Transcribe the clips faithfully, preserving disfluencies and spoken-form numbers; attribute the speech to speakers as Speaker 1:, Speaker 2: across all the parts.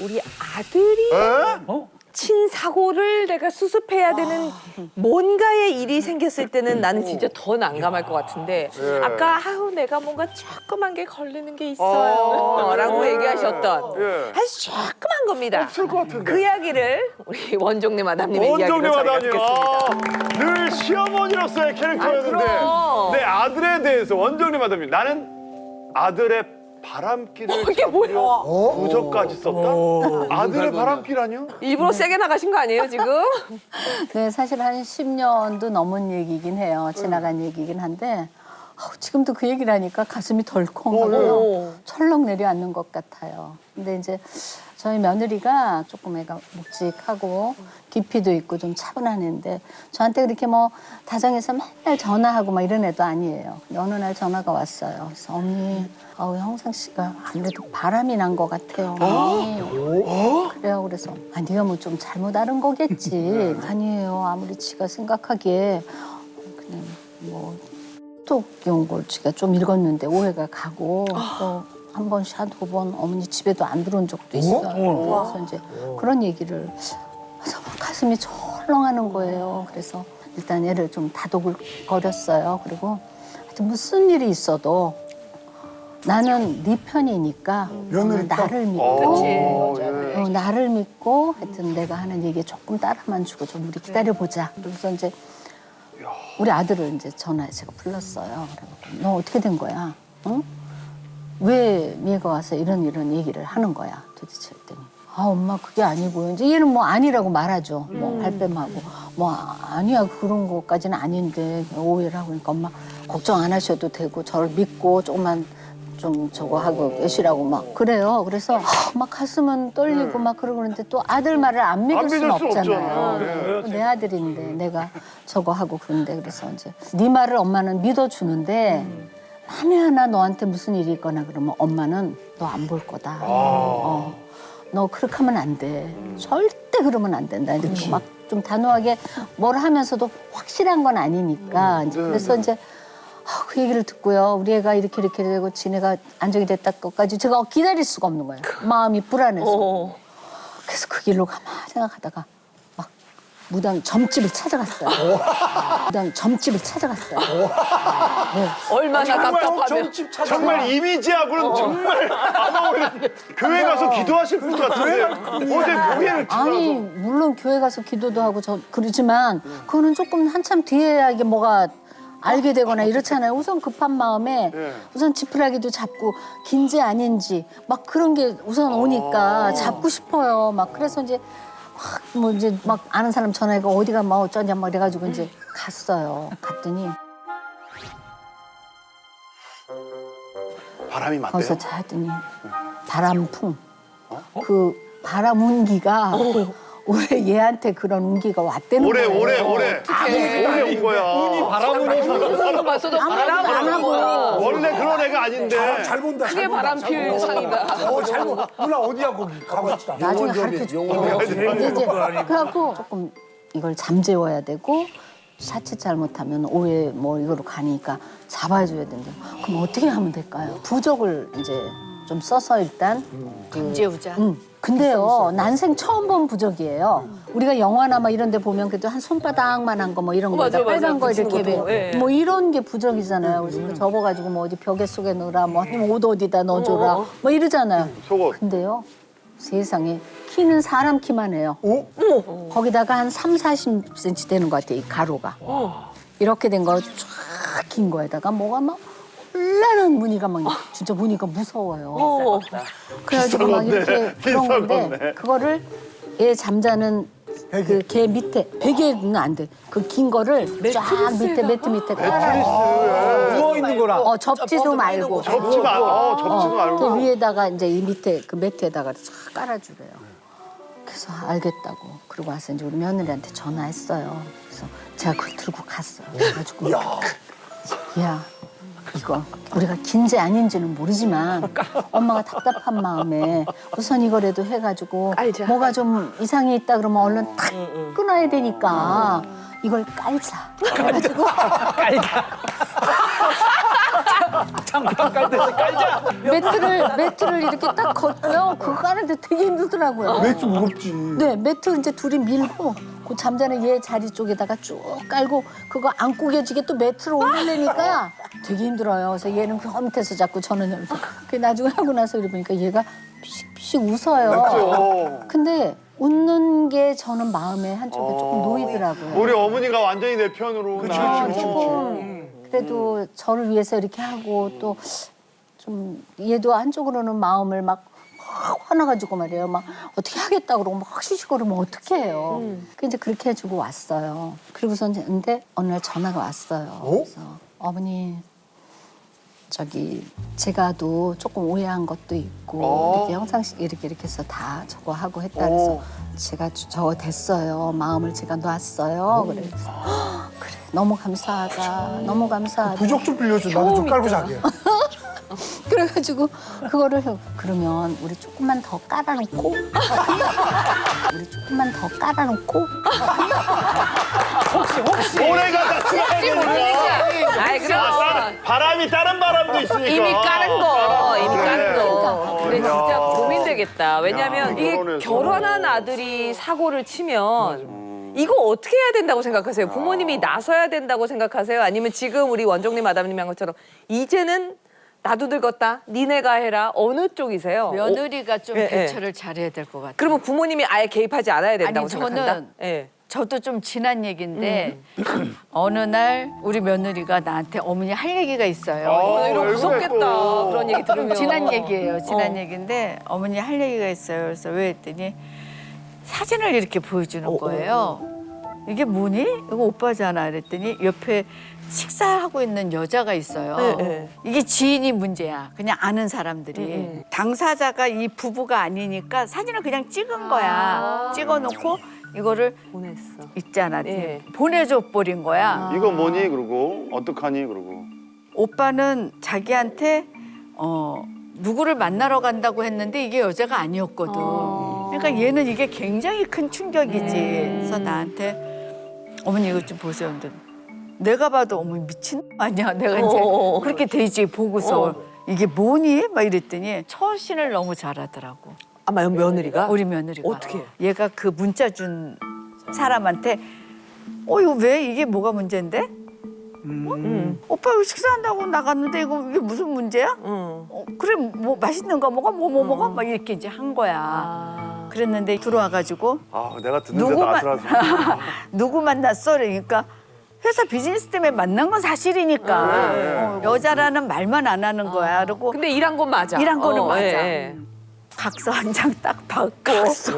Speaker 1: 우리 아들이
Speaker 2: 에?
Speaker 3: 어?
Speaker 1: 친 사고를 내가 수습해야 되는 뭔가의 일이 생겼을 때는 나는 진짜 더 난감할 것 같은데
Speaker 2: 예.
Speaker 1: 아까 아우 내가 뭔가 조그만 게 걸리는 게 있어요
Speaker 2: 아,
Speaker 1: 라고
Speaker 2: 예.
Speaker 1: 얘기하셨던
Speaker 2: 예.
Speaker 1: 아주 조그만 겁니다.
Speaker 2: 없을 것 같은데.
Speaker 1: 그 이야기를 우리 원종래 마담님의
Speaker 2: 원정네
Speaker 1: 이야기로 저희가
Speaker 2: 마담님,
Speaker 1: 듣겠습니다.
Speaker 2: 아, 늘 시어머니로서의 캐릭터였는데
Speaker 1: 아, 그럼.
Speaker 2: 내 아들에 대해서 원정네 마담님, 나는 아들의 바람길을
Speaker 1: 이게 뭐야?
Speaker 2: 잡으려 부적까지 썼다? 아들의 바람길 아니요?
Speaker 1: 일부러 세게 나가신 거 아니에요 지금?
Speaker 4: 네, 사실 한 십 년도 넘은 얘기긴 해요. 지나간 얘기긴 한데 아우, 지금도 그 얘기를 하니까 가슴이 덜컹하고요.
Speaker 1: 오.
Speaker 4: 철렁 내려앉는 것 같아요. 근데 이제 저희 며느리가 조금 애가 묵직하고 깊이도 있고 좀 차분한 애인데 저한테 그렇게 뭐 다정해서 맨날 전화하고 막 이런 애도 아니에요. 근데 어느 날 전화가 왔어요. 그래서 언니, 아우 형상 씨가 아무래도 바람이 난 것 같아요. 언니. 그래요. 그래서 아 네가 뭐 좀 잘못 알은 거겠지. 아니에요. 아무리 지가 생각하기에 그냥 뭐 톡 연걸 지가 좀 읽었는데 오해가 가고 또 한 번, 두 번 어머니 집에도 안 들어온 적도 있어요. 그래서 이제 그런 얘기를 해서 막 가슴이 철렁하는 거예요. 그래서 일단 애를 좀 다독거렸어요. 그리고 하여튼 무슨 일이 있어도 나는 네 편이니까 나를 믿고
Speaker 2: 어, 예.
Speaker 4: 어, 나를 믿고 하여튼 내가 하는 얘기에 조금 따라만 주고 좀 우리 기다려보자. 그래서 이제 우리 아들을 이제 전화에 제가 불렀어요. 그래갖고 너 어떻게 된 거야? 응? 왜 미애가 와서 이런 이런 얘기를 하는 거야 도대체 했더니 아 엄마 그게 아니고요. 이제 얘는 뭐 아니라고 말하죠. 뭐 발뺌하고 뭐 아니야 그런 것까지는 아닌데 오해를 하고 그러니까 엄마 걱정 안 하셔도 되고 저를 믿고 조금만 좀 저거 하고 계시라고 막 그래요. 그래서 막 가슴은 떨리고 막 그러고 그러는데 또 아들 말을 안 믿을
Speaker 2: 안
Speaker 4: 수는
Speaker 2: 믿을 수
Speaker 4: 없잖아요.
Speaker 2: 없잖아요. 예.
Speaker 4: 내 아들인데 내가 저거 하고 그런데 그래서 이제 네 말을 엄마는 믿어주는데 만에 하나 너한테 무슨 일이 있거나 그러면 엄마는 너 안 볼 거다. 어. 너 그렇게 하면 안 돼. 절대 그러면 안 된다. 이렇게 막 좀 단호하게 뭘 하면서도 확실한 건 아니니까. 이제 그래서 이제 아, 그 얘기를 듣고요. 우리 애가 이렇게 이렇게 되고 지네가 안정이 됐다 것까지 제가 기다릴 수가 없는 거예요. 마음이 불안해서.
Speaker 1: 어.
Speaker 4: 그래서 그 길로 가만히 생각하다가 막 무당 점집을 찾아갔어요. 무당 점집을 찾아갔어요.
Speaker 1: 얼마나 답답하면
Speaker 3: 점집 찾아.
Speaker 2: 정말 이미지하고는 정말 안 어울리는 교회 가서 기도하실 분 같은데 어제 교회를
Speaker 4: 아니
Speaker 2: 지나서
Speaker 4: 물론 교회 가서 기도도 하고 저 그러지만 그거는 조금 한참 뒤에야 이게 뭐가 알게 되거나 이렇잖아요. 우선 급한 마음에
Speaker 2: 네.
Speaker 4: 우선 지푸라기도 잡고 긴지 아닌지 막 그런 게 우선 오니까 잡고 싶어요. 막 그래서 이제 막 뭐 이제 막 아는 사람 전화해가 어디가 뭐 어쩌냐 막 이래가지고 이제 갔어요. 갔더니
Speaker 2: 바람이 맞대요?
Speaker 4: 거기서 자더니 바람풍 그 바람 운기가 올해 얘한테 그런 운기가 왔다는
Speaker 2: 올해
Speaker 4: 거예요.
Speaker 2: 올해 올해 올해 온 거야.
Speaker 3: 바람은
Speaker 1: 그런 거 봤어도 바람
Speaker 4: 안 하고
Speaker 2: 원래 그런 애가 아닌데
Speaker 3: 잘 본다.
Speaker 1: 그게 바람 필 상이다.
Speaker 3: 어, 잘 본. 누나 어디야 거기? 가고 있다.
Speaker 4: 나중에 가르쳐 줄게요. 근데 이제 그래갖고 조금 이걸 잠재워야 되고 자칫 잘못하면 오해 뭐 이거로 가니까 잡아줘야 된다. 그럼 어떻게 하면 될까요? 부적을 이제 좀 써서 일단 그,
Speaker 1: 재우자.
Speaker 4: 음. 근데요 난생 처음 본 부적이에요. 우리가 영화나 막 이런 데 보면 그래도 한 손바닥만한 거 뭐 이런
Speaker 1: 어,
Speaker 4: 거다
Speaker 1: 맞아요,
Speaker 4: 빨간
Speaker 1: 맞아요.
Speaker 4: 거
Speaker 1: 붙이는
Speaker 4: 이렇게
Speaker 1: 것도, 예.
Speaker 4: 뭐 이런 게 부적이잖아요. 그래서 그거 접어가지고 뭐 어디 벽에 속에 넣으라 뭐 아니면 옷 어디다 넣어줘라
Speaker 1: 어, 어.
Speaker 4: 뭐 이러잖아요.
Speaker 2: 속옷.
Speaker 4: 근데요 세상에 키는 사람 키만 해요. 거기다가 한 삼, 사십 센티미터 되는 것 같아요, 이 가로가. 이렇게 된 거 쫙 긴 거에다가 뭐가 막 혼란한 무늬가 막 진짜 무늬가 무서워요.
Speaker 1: 어.
Speaker 4: 그래가지고 막
Speaker 2: 비싼
Speaker 4: 이렇게
Speaker 2: 건데,
Speaker 4: 그런
Speaker 2: 비싼
Speaker 4: 건데
Speaker 2: 건데.
Speaker 4: 그거를 얘 잠자는 그 개 밑에 베개는 안 돼. 그 긴 거를 쫙 밑에 매트 밑에 깔아.
Speaker 3: 누워 있는 거라.
Speaker 4: 어 접지도 말고.
Speaker 2: 접지 마. 어, 접지
Speaker 4: 그
Speaker 2: 말고.
Speaker 4: 위에다가 이제 이 밑에 그 매트에다가 쫙 깔아주래요. 그래서 알겠다고. 그러고 와서 이제 우리 며느리한테 전화했어요. 그래서 제가 그걸 들고 갔어요. 그래가지고 야 이거 우리가 긴지 아닌지는 모르지만 엄마가 답답한 마음에 우선 이거라도 해가지고
Speaker 1: 깔자.
Speaker 4: 뭐가 좀 이상이 있다 그러면 얼른 탁 끊어야 되니까 이걸 깔자. 그래가지고
Speaker 3: 장판 깔 때 깔자.
Speaker 4: 매트를 매트를 이렇게 딱 걷고요. 그거 까는데 되게 힘들더라고요.
Speaker 3: 매트 무겁지.
Speaker 4: 네, 매트 이제 둘이 밀고 그 잠자는 얘 자리 쪽에다가 쭉 깔고 그거 안 구겨지게 또 매트로 올리려니까 되게 힘들어요. 그래서 얘는 그 밑에서 자꾸 저는 여기서. 그 나중에 하고 나서 이래 보니까 얘가 피식피식 웃어요.
Speaker 2: 맞죠.
Speaker 4: 근데 웃는 게 저는 마음에 한쪽에 조금 놓이더라고요.
Speaker 2: 우리 어머니가 완전히 내 편으로.
Speaker 3: 그치,
Speaker 2: 나-
Speaker 3: 그치, 그치,
Speaker 4: 조금 그래도 저를 위해서 이렇게 하고 또 좀 얘도 한쪽으로는 마음을 막 확 화나가지고 말이에요. 막 어떻게 하겠다 그러고 막 쉬쉬거리면 어떻게 해요. 그 이제 그렇게 해주고 왔어요. 그리고서 이제 근데 어느 날 전화가 왔어요. 그래서 어머니 저기 제가도 조금 오해한 것도 있고
Speaker 2: 어.
Speaker 4: 이렇게 영상식 이렇게 이렇게 해서 다 저거 하고 했다 그래서
Speaker 2: 어.
Speaker 4: 제가 저- 저거 됐어요. 마음을 제가 놨어요. 그래서 "헉, 그래 너무 감사하다. 너무 감사하다.
Speaker 3: 부적 좀 빌려줘. 나도 좀 깔고 자게.
Speaker 4: 그래가지고 그거를 해- 그러면 우리 조금만 더 깔아놓고 우리 조금만 더 깔아놓고
Speaker 2: 모래가 다 추가해야 되니까.
Speaker 1: 아이 그럼
Speaker 2: 바람이 다른 바람도 있으니까.
Speaker 1: 이미 까는 거, 이미 까는 거. 근데
Speaker 2: 야.
Speaker 1: 진짜 고민되겠다. 왜냐면
Speaker 2: 야,
Speaker 1: 이게
Speaker 2: 결혼해서.
Speaker 1: 결혼한 아들이 사고를 치면 이거 어떻게 해야 된다고 생각하세요? 부모님이 나서야 된다고 생각하세요? 아니면 지금 우리 원종님 마담님 한 것처럼 이제는 나도 늙었다, 니네가 해라. 어느 쪽이세요? 어,
Speaker 5: 며느리가 좀
Speaker 1: 예, 예.
Speaker 5: 대처를 잘해야 될 것 같아요.
Speaker 1: 그러면 부모님이 아예 개입하지 않아야 된다고
Speaker 5: 아니,
Speaker 1: 생각한다?
Speaker 5: 저는
Speaker 1: 예.
Speaker 5: 저도 좀 지난 얘기인데 어느 날 우리 며느리가 나한테 어머니 할 얘기가 있어요.
Speaker 2: 어,
Speaker 1: 이거
Speaker 2: 왜
Speaker 1: 무섭겠다.
Speaker 2: 그랬고.
Speaker 1: 그런 얘기 들으면.
Speaker 5: 지난 얘기예요. 지난
Speaker 1: 어.
Speaker 5: 얘기인데 어머니 할 얘기가 있어요. 그래서 왜 했더니 사진을 이렇게 보여주는 거예요. 이게 뭐니? 이거 오빠잖아. 그랬더니 옆에 식사하고 있는 여자가 있어요.
Speaker 1: 네, 네.
Speaker 5: 이게 지인이 문제야. 그냥 아는 사람들이.
Speaker 1: 음.
Speaker 5: 당사자가 이 부부가 아니니까 사진을 그냥 찍은 거야. 찍어놓고 이거를
Speaker 1: 보냈어.
Speaker 5: 있잖아.
Speaker 1: 예.
Speaker 5: 보내줘 버린 거야.
Speaker 2: 이거 뭐니? 그러고 어떡하니? 그러고.
Speaker 5: 오빠는 자기한테 어 누구를 만나러 간다고 했는데 이게 여자가 아니었거든. 그러니까 얘는 이게 굉장히 큰 충격이지. 그래서 나한테 어머니 이것 좀 보세요. 근데 내가 봐도 어머니 미친 놈 아니야. 내가 이제
Speaker 1: 어.
Speaker 5: 그렇게 되지 보고서 이게 뭐니? 막 이랬더니 처신을 너무 잘하더라고.
Speaker 1: 아마 며느리가?
Speaker 5: 우리 며느리가.
Speaker 1: 어떻게?
Speaker 5: 얘가 그 문자 준 사람한테 어 이거 왜 이게 뭐가 문제인데?
Speaker 1: 음.
Speaker 5: 오빠 이거 식사한다고 나갔는데 이거 이게 무슨 문제야?
Speaker 1: 응.
Speaker 5: 어, 그래 뭐 맛있는 거 먹어 뭐 뭐 먹어 막 이렇게 이제 한 거야.
Speaker 1: 아.
Speaker 5: 그랬는데 들어와가지고
Speaker 2: 아, 내가 듣는데도
Speaker 5: 누구만-
Speaker 2: 아슬아슬.
Speaker 5: 누구 만났어? 그러니까 회사 비즈니스 때문에 만난 건 사실이니까 어, 여자라는 말만 안 하는 거야. 그리고
Speaker 1: 근데 일한 건 맞아.
Speaker 5: 일한 거는 맞아.
Speaker 1: 예.
Speaker 5: 각서 한 장 딱 받고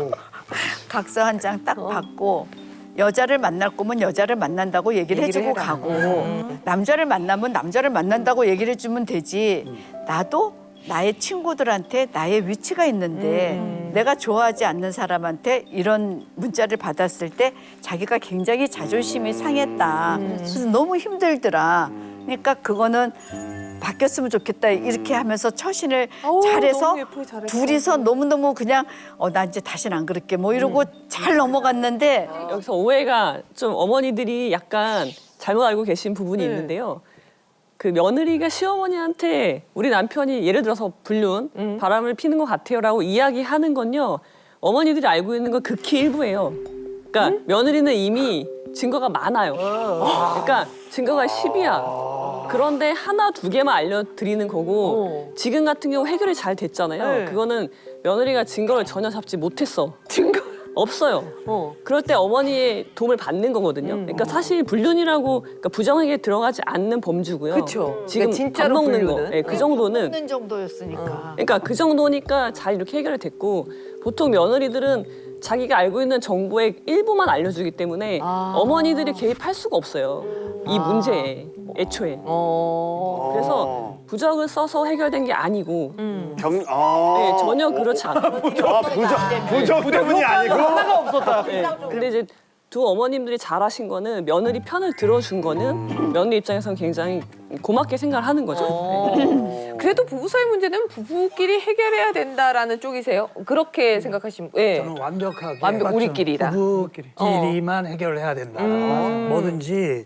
Speaker 5: 각서 한 장 딱 받고 여자를 만날 거면 여자를 만난다고 얘기를,
Speaker 1: 얘기를
Speaker 5: 해주고
Speaker 1: 해라.
Speaker 5: 가고 남자를 만나면 남자를 만난다고 얘기를 해주면 되지. 나도 나의 친구들한테 나의 위치가 있는데 내가 좋아하지 않는 사람한테 이런 문자를 받았을 때 자기가 굉장히 자존심이 상했다. 그래서 너무 힘들더라. 그러니까 그거는 바뀌었으면 좋겠다 이렇게 하면서 처신을
Speaker 1: 어우,
Speaker 5: 잘해서
Speaker 1: 너무 예쁘게 잘했어.
Speaker 5: 둘이서 너무너무 그냥 어, 나 이제 다시는 안 그럴게 뭐 이러고 잘 넘어갔는데
Speaker 6: 여기서 오해가 좀 어머니들이 약간 잘못 알고 계신 부분이
Speaker 1: 네.
Speaker 6: 있는데요. 그 며느리가 시어머니한테 우리 남편이 예를 들어서 불륜,
Speaker 1: 음.
Speaker 6: 바람을 피는 것 같아요라고 이야기하는 건요. 어머니들이 알고 있는 건 극히 일부예요. 그러니까
Speaker 1: 음?
Speaker 6: 며느리는 이미 증거가 많아요. 그러니까 증거가 십이야. 그런데 하나 두 개만 알려드리는 거고
Speaker 1: 어.
Speaker 6: 지금 같은 경우 해결이 잘 됐잖아요.
Speaker 1: 네.
Speaker 6: 그거는 며느리가 증거를 전혀 잡지 못했어.
Speaker 1: 증거.
Speaker 6: 없어요.
Speaker 1: 어.
Speaker 6: 그럴 때 어머니의 도움을 받는 거거든요.
Speaker 1: 음.
Speaker 6: 그러니까 사실 불륜이라고 그러니까 부정하게 들어가지 않는 범주고요.
Speaker 1: 그쵸.
Speaker 6: 지금
Speaker 1: 그러니까 진짜로
Speaker 6: 밥 먹는
Speaker 1: 불륜은?
Speaker 6: 거, 네, 그 정도는.
Speaker 5: 먹는 정도였으니까.
Speaker 6: 그러니까 그 정도니까 잘 이렇게 해결이 됐고 보통 며느리들은 자기가 알고 있는 정보의 일부만 알려주기 때문에
Speaker 1: 아.
Speaker 6: 어머니들이 개입할 수가 없어요. 이 문제에 애초에.
Speaker 1: 어.
Speaker 6: 그래서 부적을 써서 해결된 게 아니고
Speaker 1: 음.
Speaker 2: 경, 아.
Speaker 6: 네, 전혀 그렇지 않아요.
Speaker 2: 아, 부적, 부적 때문이 아니고.
Speaker 3: 하나가 없었다.
Speaker 6: 네. 근데 이제 두 어머님들이 잘하신 거는 며느리 편을 들어준 거는 며느리 입장에서는 굉장히 고맙게 생각을 하는 거죠. 네.
Speaker 1: 그래도 부부 사이 문제는 부부끼리 해결해야 된다라는 쪽이세요? 그렇게 생각하시면 예.
Speaker 3: 저는 완벽하게
Speaker 1: 완벽 우리끼리다.
Speaker 3: 부부끼리만 해결을 해야 된다.
Speaker 1: 음.
Speaker 3: 뭐든지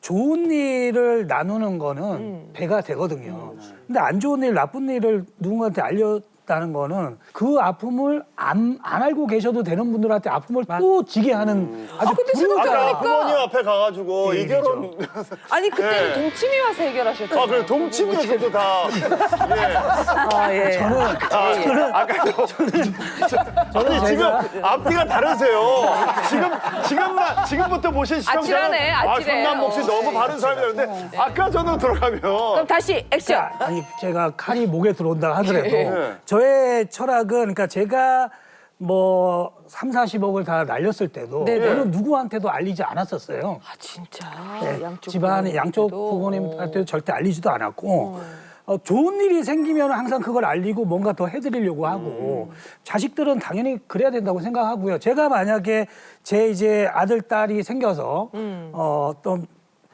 Speaker 3: 좋은 일을 나누는 거는 배가 되거든요. 근데 안 좋은 일, 나쁜 일을 누군가한테 알렸다는 거는 그 아픔을 안, 안 알고 계셔도 되는 분들한테 아픔을 또 지게 하는 아주
Speaker 1: 근데
Speaker 3: 불효자.
Speaker 2: 아까 부모님 앞에 가가지고 이 결혼
Speaker 1: 아니 그때는
Speaker 2: 예.
Speaker 1: 동치미 와서 해결하셨죠.
Speaker 2: 아 그래 동치미에서도 다 예.
Speaker 1: 아, 예.
Speaker 3: 저는
Speaker 2: 아, 저는 아까 저는 아니 지금 앞뒤가 다르세요. 지금 지금만 지금부터 보신 시청자는
Speaker 1: 아찔하네,
Speaker 2: 아
Speaker 1: 아찔해.
Speaker 2: 성남 목소리
Speaker 1: 어.
Speaker 2: 너무 바른 사람이라는데 아까 저는 들어가면
Speaker 1: 그럼 다시 액션.
Speaker 3: 아니 제가 칼이 목에 들어온다 하더라도
Speaker 2: 예.
Speaker 3: 저의 철학은 그러니까 제가 뭐 삼사십억을 다 날렸을 때도
Speaker 1: 네네.
Speaker 3: 어느 누구한테도 알리지 않았었어요.
Speaker 1: 아 진짜.
Speaker 3: 네,
Speaker 1: 양쪽
Speaker 3: 집안의 양쪽
Speaker 1: 부모님께도.
Speaker 3: 부모님한테도 절대 알리지도 않았고 어, 좋은 일이 생기면 항상 그걸 알리고 뭔가 더 해드리려고 하고 자식들은 당연히 그래야 된다고 생각하고요. 제가 만약에 제 이제 아들 딸이 생겨서 어, 어떤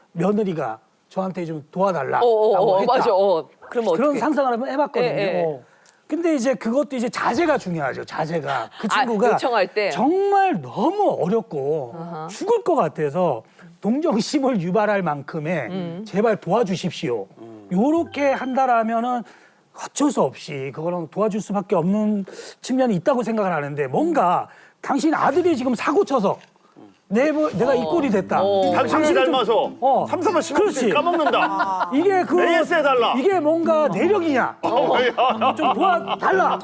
Speaker 3: 며느리가 저한테 좀 도와달라라고
Speaker 1: 어, 어, 어,
Speaker 3: 했다.
Speaker 1: 맞아. 어. 그럼 어떻게?
Speaker 3: 그런 상상을 한번 해봤거든요.
Speaker 1: 예, 예.
Speaker 3: 어. 근데 이제 그것도 이제 자세가 중요하죠. 자세가 그
Speaker 1: 아,
Speaker 3: 친구가
Speaker 1: 요청할 때?
Speaker 3: 정말 너무 어렵고 죽을 것 같아서 동정심을 유발할 만큼의
Speaker 1: 음.
Speaker 3: 제발 도와주십시오. 요렇게 한다라면은 어쩔 수 없이 그거는 도와줄 수밖에 없는 측면이 있다고 생각을 하는데 뭔가 당신 아들이 지금 사고 쳐서 내, 내가 이 꼴이 됐다.
Speaker 2: 당신을
Speaker 3: 좀-
Speaker 2: 닮아서
Speaker 3: 어.
Speaker 2: 삼삼을
Speaker 3: 그렇지.
Speaker 2: 씹어 까먹는다.
Speaker 3: 이게 그
Speaker 2: 에이에스 해달라.
Speaker 3: 이게 뭔가 내력이냐?
Speaker 2: 어.
Speaker 3: 좀 도와달라.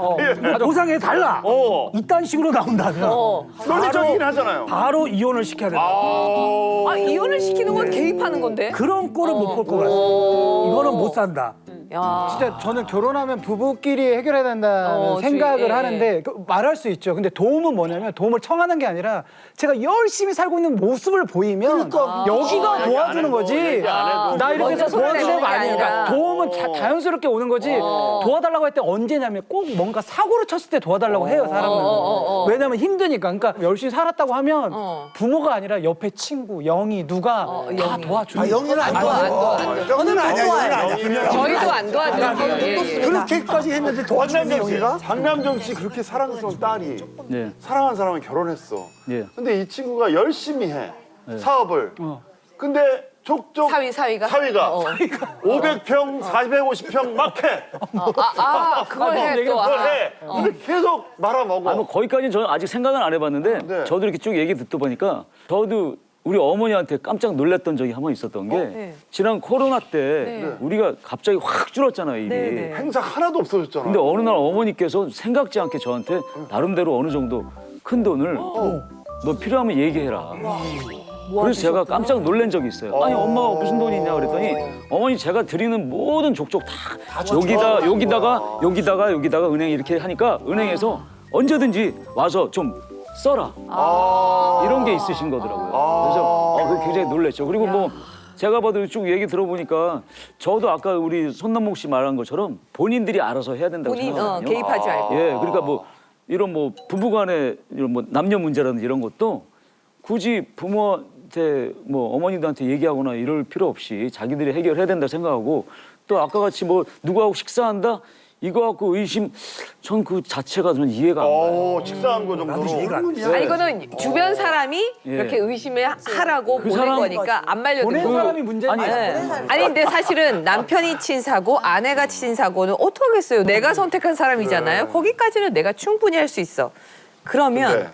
Speaker 3: 보상해 달라.
Speaker 2: 어.
Speaker 3: 이딴 식으로 나온다면
Speaker 2: 논리적이긴 하잖아요.
Speaker 3: 바로 이혼을 시켜야 된다.
Speaker 2: 아,
Speaker 1: 아 이혼을 시키는 건 개입하는 건데.
Speaker 3: 그런 꼴은 못 볼 것 같습니다. 이거는 못 산다.
Speaker 1: 야.
Speaker 7: 진짜 저는 결혼하면 부부끼리 해결해야 된다는
Speaker 1: 어,
Speaker 7: 생각을
Speaker 1: 주의, 예,
Speaker 7: 하는데 그 말할 수 있죠. 근데 도움은 뭐냐면 도움을 청하는 게 아니라 제가 열심히 살고 있는 모습을 보이면 여기가
Speaker 2: 아, 얘기 안
Speaker 7: 도와주는
Speaker 2: 해도,
Speaker 7: 거지.
Speaker 2: 얘기 안 해도.
Speaker 7: 나 이렇게
Speaker 1: 먼저
Speaker 7: 해서
Speaker 1: 손을
Speaker 7: 도와주는
Speaker 1: 내미는
Speaker 7: 거
Speaker 1: 게
Speaker 7: 아니니까
Speaker 1: 아니라.
Speaker 7: 도움은 자, 자연스럽게 오는 거지. 도와달라고 할 때 언제냐면 꼭 뭔가 사고를 쳤을 때 도와달라고 해요, 사람은.
Speaker 1: 어, 어, 어.
Speaker 7: 왜냐면 힘드니까. 그러니까 열심히 살았다고 하면
Speaker 1: 어.
Speaker 7: 부모가 아니라 옆에 친구, 영희, 누가
Speaker 1: 어,
Speaker 7: 다
Speaker 1: 영희.
Speaker 7: 도와주는
Speaker 3: 아, 영희는 안 도와줘.
Speaker 8: 저는 아니야, 이거는 아니야.
Speaker 1: 저희도 안 도와줘요. 예, 예.
Speaker 3: 그렇게까지 했는데 도와주는
Speaker 2: 장남정 씨,
Speaker 3: 영희가?
Speaker 2: 장남정 씨 그렇게 사랑스러운 딸이
Speaker 9: 네.
Speaker 2: 사랑하는 사람을 결혼했어.
Speaker 9: 예.
Speaker 2: 근데 이 친구가 열심히 해 사업을. 근데 족족
Speaker 1: 사위 사위가.
Speaker 2: 사위가
Speaker 1: 어.
Speaker 2: 오백 평, 사백오십 평 막 해.
Speaker 1: 아, 아 그걸 해 또.
Speaker 2: 그걸
Speaker 1: 아.
Speaker 2: 해. 근데 계속 말아먹어.
Speaker 9: 아, 뭐 거기까지는 저는 아직 생각은 안 해봤는데
Speaker 2: 네.
Speaker 9: 저도 이렇게 쭉 얘기 듣다 보니까 저도 우리 어머니한테 깜짝 놀랐던 적이 한 번 있었던 게
Speaker 1: 네.
Speaker 9: 지난 코로나 때
Speaker 1: 네.
Speaker 9: 우리가 갑자기 확 줄었잖아요, 일이.
Speaker 1: 네, 네.
Speaker 2: 행사 하나도 없어졌잖아.
Speaker 9: 근데 어느 날 어머니께서 생각지 않게 저한테 나름대로 어느 정도 큰 돈을 너 필요하면 얘기해라. 그래서 제가 깜짝 놀란 적이 있어요. 아니 엄마가 무슨 돈이 있냐 그랬더니 어머니 제가 드리는 모든 족족 다 여기다 여기다가 여기다가 여기다가 은행 이렇게 하니까 은행에서 언제든지 와서 좀 써라 이런 게 있으신 거더라고요. 그래서 어, 그게 굉장히 놀랐죠. 그리고 뭐 제가 봐도 쭉 얘기 들어보니까 저도 아까 우리 손남목 씨 말한 것처럼 본인들이 알아서 해야 된다고
Speaker 1: 본인 어,
Speaker 9: 생각하거든요.
Speaker 1: 개입하지 말고.
Speaker 9: 예, 그러니까 뭐 이런 뭐 부부간의 이런 뭐 남녀 문제라든지 이런 것도 굳이 부모한테 뭐 어머니들한테 얘기하거나 이럴 필요 없이 자기들이 해결해야 된다 생각하고 또 아까 같이 뭐 누구하고 식사한다 이거 갖고 의심 전 그 자체가 좀 이해가 안 가요.
Speaker 2: 어, 식사한 거 정도로.
Speaker 3: 이해가 안 돼.
Speaker 1: 아니 이거는 주변 사람이
Speaker 9: 예.
Speaker 1: 이렇게 의심을 하라고 보낸
Speaker 9: 사람-
Speaker 1: 거니까 안 말려든
Speaker 7: 보낸
Speaker 1: 거.
Speaker 7: 사람이 문제지.
Speaker 9: 아니,
Speaker 1: 네. 아니 근데 사실은 남편이 친 사고 아내가 친 사고는 어떡하겠어요. 내가 선택한 사람이잖아요. 거기까지는 내가 충분히 할 수 있어. 그러면
Speaker 2: 근데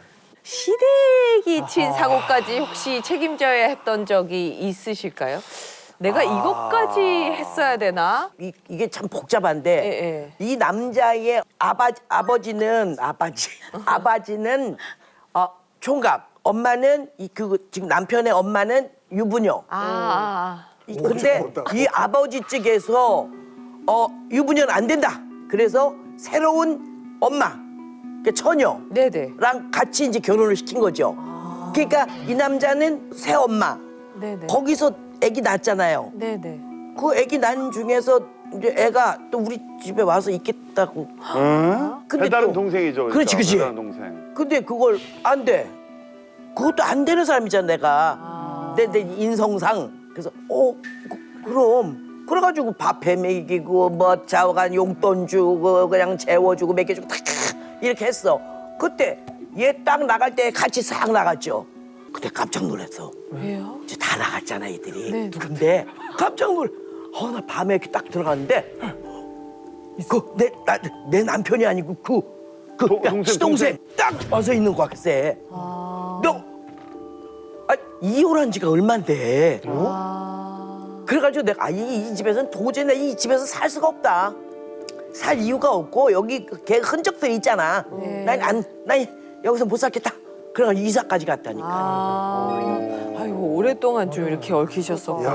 Speaker 1: 시댁이 친 사고까지 혹시 책임져야 했던 적이 있으실까요? 내가 이것까지 했어야 되나?
Speaker 8: 이, 이게 참 복잡한데
Speaker 1: 예, 예.
Speaker 8: 이 남자의 아바, 아버지는 아바지 아바지는 어, 총각, 엄마는 이 그 지금 남편의 엄마는 유부녀.
Speaker 1: 아,
Speaker 8: 이- 근데 이 아버지 측에서 어, 유부녀는 안 된다. 그래서 새로운 엄마, 그러니까 처녀랑
Speaker 1: 네네.
Speaker 8: 같이 이제 결혼을 시킨 거죠. 그러니까 이 남자는 새 엄마.
Speaker 1: 네네.
Speaker 8: 거기서 아기 낳았잖아요.
Speaker 1: 네네.
Speaker 8: 그 아기 낳은 중에서 이제 애가 또 우리 집에 와서 있겠다고. 근데
Speaker 2: 배다른
Speaker 8: 또-
Speaker 2: 동생이죠.
Speaker 8: 그렇지,
Speaker 2: 그러니까.
Speaker 8: 그렇지.
Speaker 2: 배다른 동생.
Speaker 8: 근데 그걸 안 돼. 그것도 안 되는 사람이잖아, 내가. 내, 내 인성상. 그래서, 어, 그, 그럼. 그래가지고 밥해 먹이고, 뭐, 좌우간 용돈 주고, 그냥 재워주고, 먹여주고, 다 이렇게 했어. 그때 얘 딱 나갈 때 같이 싹 나갔죠. 그때 깜짝 놀랐어.
Speaker 1: 왜요?
Speaker 8: 이제 다 다 나갔잖아 애들이. 근데 깜짝 놀. 어, 나 밤에 이렇게 딱 들어갔는데 그 내 나 내 남편이 아니고 그 그
Speaker 2: 동- 동생,
Speaker 8: 시동생 딱 와서 있는 거야 글쎄. 너 아, 이혼한 지가 얼만데. 그래가지고 내가 아, 이, 이 집에서는 도저히 내 이 집에서 살 수가 없다. 살 이유가 없고 여기 걔 흔적들이 있잖아. 난 안 난 여기서 못 살겠다. 그래가지고 이사까지 갔다니까.
Speaker 1: 아, 아이고 오랫동안 좀 이렇게 얽히셨었구나.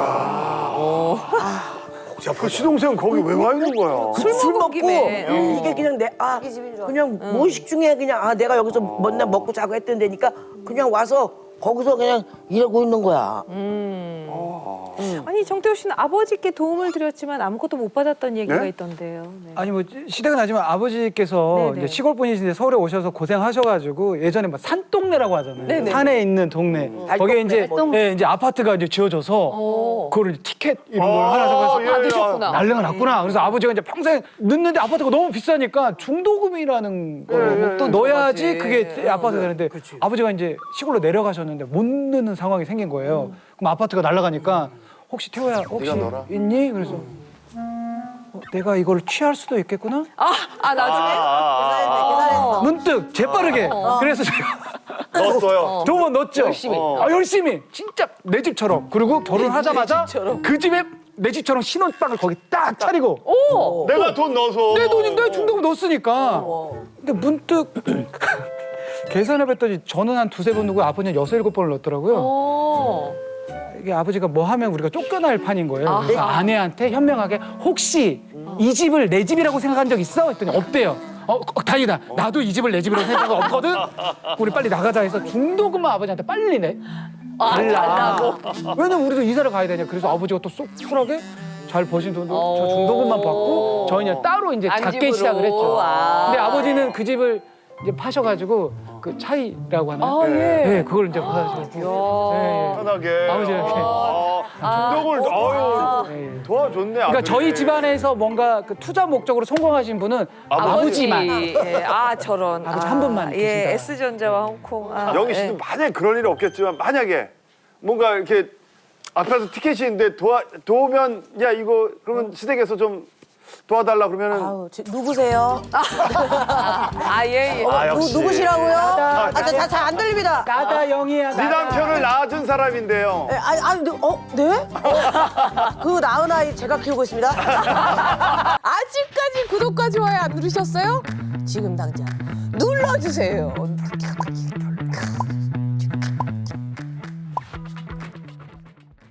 Speaker 2: 야, 그 시동생은 거기 왜 와 있는 거야?
Speaker 1: 술
Speaker 8: 술
Speaker 1: 먹은
Speaker 8: 먹고
Speaker 1: 김에. 어.
Speaker 8: 이게 그냥 내 아 그냥 무의식 중에 그냥 아 내가 여기서 맨날 먹고 자고 했던 데니까 그냥 와서 거기서 그냥 일하고 있는 거야.
Speaker 1: 아니 정태호 씨는 아버지께 도움을 드렸지만 아무것도 못 받았던 얘기가
Speaker 2: 네?
Speaker 1: 있던데요. 네.
Speaker 7: 아니 뭐 시대가 나지만 아버지께서
Speaker 1: 네네.
Speaker 7: 이제 시골 분이신데 서울에 오셔서 고생하셔가지고 예전에 뭐 산동네라고 하잖아요.
Speaker 1: 네네.
Speaker 7: 산에 있는 동네. 거기에 이제
Speaker 8: 달동네.
Speaker 7: 예, 이제 아파트가 이제 지어져서
Speaker 1: 어.
Speaker 7: 그거를 티켓 이런 걸 하나 잡아서
Speaker 2: 예,
Speaker 1: 받으셨구나.
Speaker 7: 난리가 났구나. 그래서 아버지가 이제 평생 늦는데 아파트가 너무 비싸니까 중도금이라는 걸 또 넣어야지
Speaker 1: 맞지.
Speaker 7: 그게 아파트가 되는데 아버지가 이제 시골로 내려가셨는데 못 넣는 상황이 생긴 거예요. 그럼 아파트가 날아가니까 혹시 태호야 혹시
Speaker 2: 네가 넣어라.
Speaker 7: 있니? 그래서 어, 내가 이걸 취할 수도 있겠구나.
Speaker 1: 아, 아 나중에
Speaker 2: 아,
Speaker 7: 문득 재빠르게 그래서 제가
Speaker 2: 넣었어요.
Speaker 7: 두 번 넣었죠.
Speaker 1: 열심히.
Speaker 7: 아, 열심히 진짜 내 집처럼. 그리고 결혼하자마자
Speaker 1: 집처럼.
Speaker 7: 그 집에 내 집처럼 신혼방을 거기 딱 차리고
Speaker 1: 오.
Speaker 2: 내가 돈 넣어서.
Speaker 7: 내 돈인데 중도금 넣었으니까. 근데 문득 계산해봤더니 저는 한 두세 번 넣고 아버지는 여섯 일곱 번을 넣었더라고요.
Speaker 1: 어.
Speaker 7: 이게 아버지가 뭐 하면 우리가 쫓겨날 판인 거예요. 그래서 아내한테 현명하게 혹시 이 집을 내 집이라고 생각한 적 있어? 했더니 없대요. 어, 어, 다행이다. 나도 이 집을 내 집이라고 생각한 거 없거든. 우리 빨리 나가자 해서 중도금만 아버지한테 빨리 내.
Speaker 1: 아, 달라고.
Speaker 7: 왜냐면 우리도 이사를 가야 되냐. 그래서 아버지가 또 쏙쿨하게 잘 버신 돈도
Speaker 1: 어.
Speaker 7: 저 중도금만 받고 저희는 따로 이제
Speaker 1: 안
Speaker 7: 작게
Speaker 1: 집으로.
Speaker 7: 시작을 했죠.
Speaker 1: 아.
Speaker 7: 근데 아버지는 그 집을 이제 파셔가지고 그 차이라고 하나?
Speaker 1: 아, 예.
Speaker 7: 네, 그걸 이제 파셔가지고. 네, 예.
Speaker 2: 편하게.
Speaker 7: 아버지 이렇게.
Speaker 2: 아, 중독을 아유
Speaker 7: 네, 예.
Speaker 2: 도와줬네.
Speaker 7: 그러니까
Speaker 2: 아들이.
Speaker 7: 저희 집안에서 뭔가 그 투자 목적으로 성공하신 분은 아버지만.
Speaker 1: 예. 아 저런.
Speaker 7: 아버지 한 분만
Speaker 1: 예,
Speaker 7: 계시다.
Speaker 1: S전자와 홍콩. 아,
Speaker 2: 영희
Speaker 1: 예.
Speaker 2: 씨도 만약에 그럴 일은 없겠지만 만약에 뭔가 이렇게 앞에서 티켓이 있는데 도와 도우면 야 이거 그러면 시댁에서 좀 도와달라 그러면은
Speaker 10: 아우, 저- 누구세요?
Speaker 1: 아, 예, 예.
Speaker 2: 아,
Speaker 10: 누,
Speaker 2: 역시.
Speaker 10: 누구시라고요? 아, 잘 안 들립니다.
Speaker 7: 나다 영희야.
Speaker 2: 네 남편을 낳아준 사람인데요.
Speaker 10: 예, 아니, 아니, 네, 어, 네? 어, 그 낳은 아이 제가 키우고 있습니다.
Speaker 1: 아직까지 구독과 좋아요 안 누르셨어요? 지금 당장 눌러주세요.